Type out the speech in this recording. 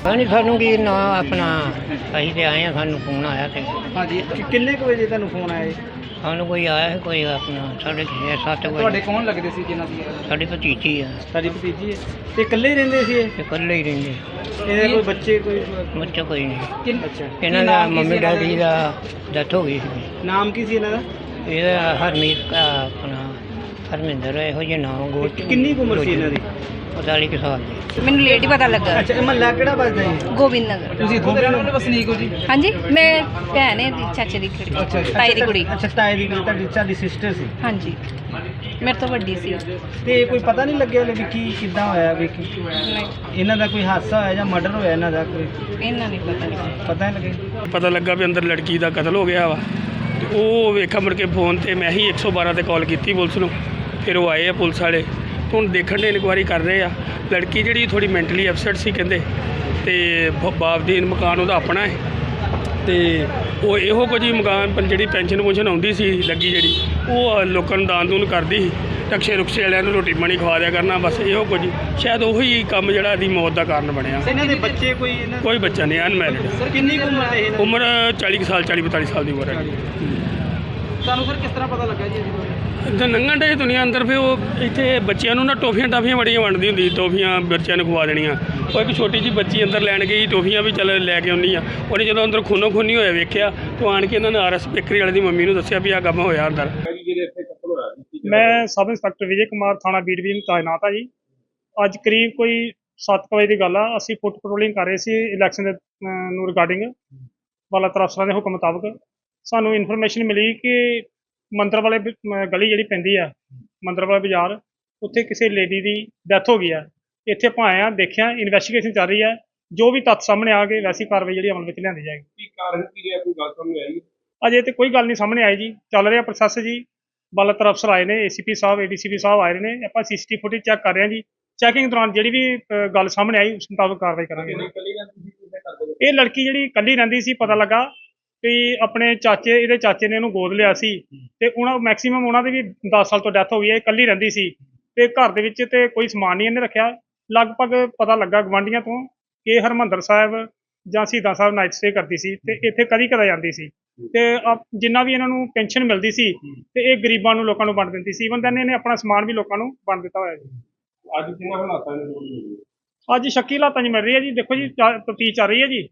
ਹਾਂਜੀ ਸਾਨੂੰ ਕੀ ਨਾ ਆਪਣਾ ਅਸੀਂ ਤੇ ਆਏ ਆ, ਸਾਨੂੰ ਫੋਨ ਆਇਆ ਤੇ ਹਾਂਜੀ ਕਿੰਨੇ ਕੁ ਵਜੇ ਤੁਹਾਨੂੰ ਫੋਨ ਆਇਆ ਜੀ? ਸਾਨੂੰ ਕੋਈ ਆਇਆ ਸੀ, ਕੋਈ ਆਪਣਾ 6:30 ਤੁਹਾਡੇ ਵਜੇ। ਕੌਣ ਲੱਗਦੇ ਸੀ ਜਿਨ੍ਹਾਂ ਦੀ ਸਾਡੀ ਭਤੀਜੀ ਆ, ਸਾਡੀ ਭਤੀਜੀ ਹੈ ਤੇ ਇਕੱਲੇ ਹੀ ਰਹਿੰਦੇ ਸੀ ਇਹ? ਤੇ ਇਕੱਲੇ ਹੀ ਰਹਿੰਦੇ, ਇਹਦੇ ਕੋਈ ਬੱਚੇ ਕੋਈ ਬੱਚਾ ਕੋਈ ਨਹੀਂ। ਅੱਛਾ ਇਹਨਾਂ ਦਾ ਮੰਮੀ ਡੈਡੀ ਦਾ ਡੈਥ ਹੋ ਗਈ ਸੀ। ਨਾਮ ਕੀ ਸੀ ਇਹਨਾਂ ਦਾ? ਇਹਦਾ ਹਰਮੀਤ ਆਪਣਾ ਹਰਮਿੰਦਰ ਇਹੋ ਜਿਹੇ ਨਾਮ ਗੋਚ। ਕਿੰਨੀ ਕੁ ਉਮਰ ਸੀ ਇਹਨਾਂ ਦੀ? 45 ਕੁ ਸਾਲ ਦੀ। ਮੈਨੂੰ ਲੇਟ ਹੀ ਪਤਾ ਲੱਗਾ। ਅੱਛਾ ਇਹ ਮਹੱਲਾ ਕਿਹੜਾ ਵੱਜਦਾ ਜੀ? ਗੋਬਿੰਦ ਨਗਰ। ਤੁਸੀਂ ਇੱਥੋਂ ਦੇ ਰਹਿਣ ਵਸਨੀਕ ਹੋ ਜੀ? ਹਾਂਜੀ, ਮੈਂ ਭੈਣ ਹੈ ਦੀ ਚਾਚੇ ਦੀ ਕੁੜੀ, ਤਾਈ ਦੀ ਕੁੜੀ। ਅੱਛਾ ਤਾਏ ਦੀ ਕੁੜੀ, ਤੁਹਾਡੀ ਸਿਸਟਰ ਸੀ? ਹਾਂਜੀ, ਮੇਰੇ ਤੋਂ ਵੱਡੀ ਸੀ। ਤੇ ਕੋਈ ਪਤਾ ਨਹੀਂ ਲੱਗਿਆ ਵੀ ਕੀ ਕਿੱਦਾਂ ਹੋਇਆ ਵੀ ਨਹੀਂ, ਇਹਨਾਂ ਦਾ ਕੋਈ ਹਾਦਸਾ ਹੋਇਆ ਜਾਂ ਮਰਡਰ ਹੋਇਆ ਇਹਨਾਂ ਦਾ ਕੋਈ ਇਹਨਾਂ ਨਹੀਂ ਪਤਾ। ਪਤਾ ਨਹੀਂ ਲੱਗਿਆ? ਪਤਾ ਲੱਗਾ ਵੀ ਅੰਦਰ ਲੜਕੀ ਦਾ ਕਤਲ ਹੋ ਗਿਆ ਵਾ ਤੇ ਉਹ ਵੇਖਾ ਮੁੜ ਕੇ ਫੋਨ ਤੇ ਮੈਂ ਹੀ 112 ਤੇ ਕਾਲ ਕੀਤੀ ਪੁਲਿਸ ਨੂੰ। ਫਿਰ ਉਹ ਆਏ ਆ ਪੁਲਿਸ ਵਾਲੇ ਤੇ ਹੁਣ ਦੇਖਣ ਦੇ ਇਨਕੁਆਇਰੀ ਕਰ ਰਹੇ ਆ। ਲੜਕੀ ਜਿਹੜੀ ਥੋੜੀ ਮੈਂਟਲੀ ਅਪਸੈਟ ਸੀ ਕਹਿੰਦੇ, ਤੇ ਬਾਪ ਦੀ ਮਕਾਨ ਉਹਦਾ ਆਪਣਾ ਹੈ ਤੇ ਉਹ ਇਹੋ ਕੁਝ ਹੀ ਮਕਾਨ ਜਿਹੜੀ ਪੈਨਸ਼ਨ ਆਉਂਦੀ ਸੀ ਲੱਗੀ ਜਿਹੜੀ ਉਹ ਲੋਕਾਂ ਨੂੰ ਦਾਨ ਦੂਨ ਕਰਦੀ ਸੀ। ਟਕਸ਼ੇ ਰੁਕਸ਼ੇ ਵਾਲਿਆਂ ਨੂੰ ਰੋਟੀ ਪਾਣੀ ਖਵਾ ਦਿਆ ਕਰਨਾ, ਬਸ ਇਹੋ ਕੁਝ। ਸ਼ਾਇਦ ਉਹੀ ਕੰਮ ਜਿਹੜਾ ਇਹਦੀ ਮੌਤ ਦਾ ਕਾਰਨ ਬਣਿਆ। ਇਹਨਾਂ ਦੇ ਬੱਚੇ ਕੋਈ ਬੱਚਾ ਨਹੀਂ, ਅਨਮੈਰਿਡ। ਸਰ ਕਿੰਨੀ ਕੁ ਉਮਰ ਹੈ ਇਹਨਾਂ ਦੀ? ਉਮਰ 40 ਕੁ ਸਾਲ, 40-42 ਸਾਲ ਦੀ ਉਮਰ ਹੈ। ਤੁਹਾਨੂੰ ਸਰ ਕਿਸ ਤਰ੍ਹਾਂ ਪਤਾ ਲੱਗਾ ਜੀ ਇਹਦੀ? ਇੱਥੇ ਲੰਘਣ ਡੇ ਦੁਨੀਆ ਅੰਦਰ, ਫਿਰ ਉਹ ਇੱਥੇ ਬੱਚਿਆਂ ਨੂੰ ਨਾ ਟੋਫੀਆਂ ਬੜੀਆਂ ਵੰਡਦੀ ਹੁੰਦੀ, ਟੋਫੀਆਂ ਬੱਚਿਆਂ ਨੂੰ ਖਵਾ ਦੇਣੀਆਂ। ਉਹ ਇੱਕ ਛੋਟੀ ਜਿਹੀ ਬੱਚੀ ਅੰਦਰ ਲੈਣ ਗਈ, ਟੋਫੀਆਂ ਵੀ ਚੱਲ ਲੈ ਕੇ ਆਉਣੀ ਆ। ਉਹਨੇ ਜਦੋਂ ਅੰਦਰ ਖੂਨੋ ਖੂਨੀ ਹੋਇਆ ਵੇਖਿਆ ਤਾਂ ਆਣ ਕੇ ਇਹਨਾਂ ਨੇ RS ਬੇਕਰੀ ਵਾਲੇ ਦੀ ਮੰਮੀ ਨੂੰ ਦੱਸਿਆ ਵੀ ਆਹ ਕੰਮ ਹੋਇਆ ਅੰਦਰ। ਮੈਂ ਸਬ ਇੰਸਪੈਕਟਰ ਵਿਜੇ ਕੁਮਾਰ, ਥਾਣਾ ਬੀ ਡਿਵੀਜ਼ਨ ਤਾਇਨਾਤ ਆ ਜੀ। ਅੱਜ ਕਰੀਬ ਕੋਈ 7 ਵਜੇ ਦੀ ਗੱਲ ਆ। ਅਸੀਂ ਫੁੱਟ ਪੈਟਰੋਲਿੰਗ ਕਰ ਰਹੇ ਸੀ ਇਲੈਕਸ਼ਨ ਦੇ ਨੂੰ ਰਿਗਾਰਡਿੰਗ ਵਾਲਾਤਰ ਅਫਸਰਾਂ ਦੇ ਹੁਕਮ ਮੁਤਾਬਕ। ਸਾਨੂੰ ਇਨਫੋਰਮੇਸ਼ਨ ਮਿਲੀ ਕਿ ਮੰਦਰ ਵਾਲੇ ਗਲੀ ਜਿਹੜੀ ਪੈਂਦੀ ਆ, ਮੰਦਰ ਵਾਲਾ ਬਾਜ਼ਾਰ, ਉੱਥੇ ਕਿਸੇ ਲੇਡੀ ਦੀ ਡੈਥ ਹੋ ਗਈ ਆ। ਇੱਥੇ ਆਪਾਂ ਆਏ ਆ, ਦੇਖਿਆ, ਇਨਵੈਸਟੀਗੇਸ਼ਨ ਚੱਲ ਰਹੀ ਹੈ। ਜੋ ਵੀ ਤੱਥ ਸਾਹਮਣੇ ਆ ਗਏ ਵੈਸੀ ਕਾਰਵਾਈ ਜਿਹੜੀ ਅਮਲ ਵਿੱਚ ਲਿਆਂਦੀ ਜਾਏਗੀ। ਕੀ ਕਾਰਨ ਕੀ ਹੈ, ਕੋਈ ਗੱਲ ਸਾਹਮਣੇ ਆਈ? ਅਜੇ ਤੇ ਕੋਈ ਗੱਲ ਨਹੀਂ ਸਾਹਮਣੇ ਆਈ ਜੀ, ਚੱਲ ਰਿਹਾ ਪ੍ਰੋਸੈਸ ਜੀ। ਵਾਲਾਤਰ ਅਫਸਰ ਆਏ ਨੇ, ACP ਸਾਹਿਬ, ADCP ਸਾਹਿਬ ਆਏ ਨੇ। ਆਪਾਂ CCTV ਫੁਟੇਜ ਚੈੱਕ ਕਰ ਰਹੇ ਹਾਂ ਜੀ। ਚੈਕਿੰਗ ਦੌਰਾਨ ਜਿਹੜੀ ਵੀ ਗੱਲ ਸਾਹਮਣੇ ਆਈ ਉਸ ਮੁਤਾਬਕ ਕਾਰਵਾਈ ਕਰਾਂਗੇ। ਇਹ ਲੜਕੀ ਜਿਹੜੀ ਇਕੱਲੀ ਰਹਿੰਦੀ ਸੀ, ਪਤਾ ਲੱਗਾ ਵੀ ਆਪਣੇ ਚਾਚੇ, ਇਹਦੇ ਚਾਚੇ ਨੇ ਇਹਨੂੰ ਗੋਦ ਲਿਆ ਸੀ ਤੇ ਉਹਨਾਂ ਮੈਕਸਿਮਮ ਉਹਨਾਂ ਦੀ ਵੀ 10 ਸਾਲ ਤੋਂ ਡੈਥ ਹੋ ਗਈ ਹੈ। ਇਕੱਲੀ ਰਹਿੰਦੀ ਸੀ ਤੇ ਘਰ ਦੇ ਵਿੱਚ ਤੇ ਕੋਈ ਸਮਾਨ ਨਹੀਂ ਇਹਨੇ ਰੱਖਿਆ। ਲਗਭਗ ਪਤਾ ਲੱਗਾ ਗਵਾਂਢੀਆਂ ਤੋਂ ਕਿ ਹਰਿਮੰਦਰ ਸਾਹਿਬ ਜਾਂ ਸ਼ਹੀਦਾਂ ਸਾਹਿਬ ਨਾਈਟ ਸਟੇ ਕਰਦੀ ਸੀ ਤੇ ਇੱਥੇ ਕਦੀ ਜਾਂਦੀ ਸੀ ਤੇ ਜਿੰਨਾ ਵੀ ਇਹਨਾਂ ਨੂੰ ਪੈਨਸ਼ਨ ਮਿਲਦੀ ਸੀ ਤੇ ਇਹ ਗਰੀਬਾਂ ਨੂੰ, ਲੋਕਾਂ ਨੂੰ ਵੰਡ ਦਿੰਦੀ ਸੀ। ਇਵਨ ਦੈਨ ਇਹਨੇ ਆਪਣਾ ਸਮਾਨ ਵੀ ਲੋਕਾਂ ਨੂੰ ਵੰਡ ਦਿੱਤਾ ਹੋਇਆ ਜੀ। ਅੱਜ ਕਿੰਨਾ ਹਾਲਾਤਾਂ ਨੇ? ਅੱਜ ਸ਼ੱਕੀ ਹਾਲਾਤਾਂ 'ਚ ਮਿਲ ਰਹੀ ਹੈ ਜੀ। ਦੇਖੋ ਜੀ, ਤਫਤੀਸ਼ ਚੱਲ ਰਹੀ ਹੈ ਜੀ।